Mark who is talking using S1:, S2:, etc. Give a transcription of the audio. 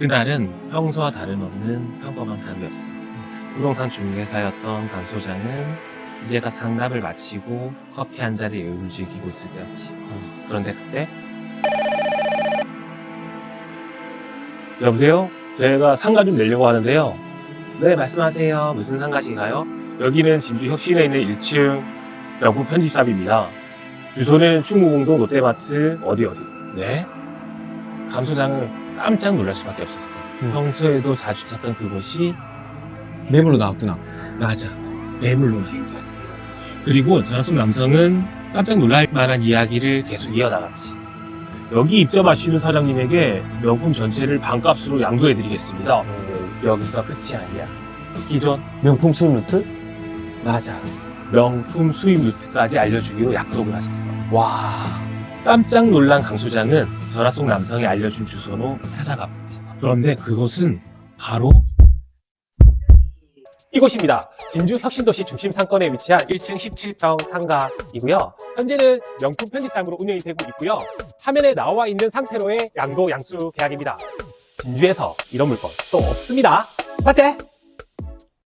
S1: 그날은 평소와 다름없는 평범한 하루였어. 부동산 중개사였던 강 소장은 이제가 상담을 마치고 커피 한 잔의 여유를 즐기고 있을 때였지. 그런데 그때 여보세요? 제가 상가 좀 내려고 하는데요. 네, 말씀하세요. 무슨 상가신가요? 여기는 진주 혁신에 있는 1층 명품 편집샵입니다. 주소는 충무공동 롯데마트 어디. 네? 강 소장은 깜짝 놀랄 수밖에 없었어. 평소에도 자주 찾던 그곳이
S2: 매물로 나왔구나.
S1: 맞아. 매물로 나왔어. 그리고 전화속 남성은 깜짝 놀랄 만한 이야기를 계속 이어나갔지. 여기 입점하시는 사장님에게 명품 전체를 반값으로 양도해드리겠습니다. 여기서 끝이 아니야. 기존
S2: 명품 수입 루트?
S1: 맞아. 명품 수입 루트까지 알려주기로 약속을 하셨어.
S2: 와.
S1: 깜짝 놀란 강 소장은 전화 속 남성이 알려준 주소로 찾아가 본다. 그런데 그곳은 바로 이곳입니다. 진주 혁신도시 중심 상권에 위치한 1층 17평 상가이고요. 현재는 명품 편집샵으로 운영이 되고 있고요. 화면에 나와 있는 상태로의 양도 양수 계약입니다. 진주에서 이런 물건 또 없습니다. 맞지?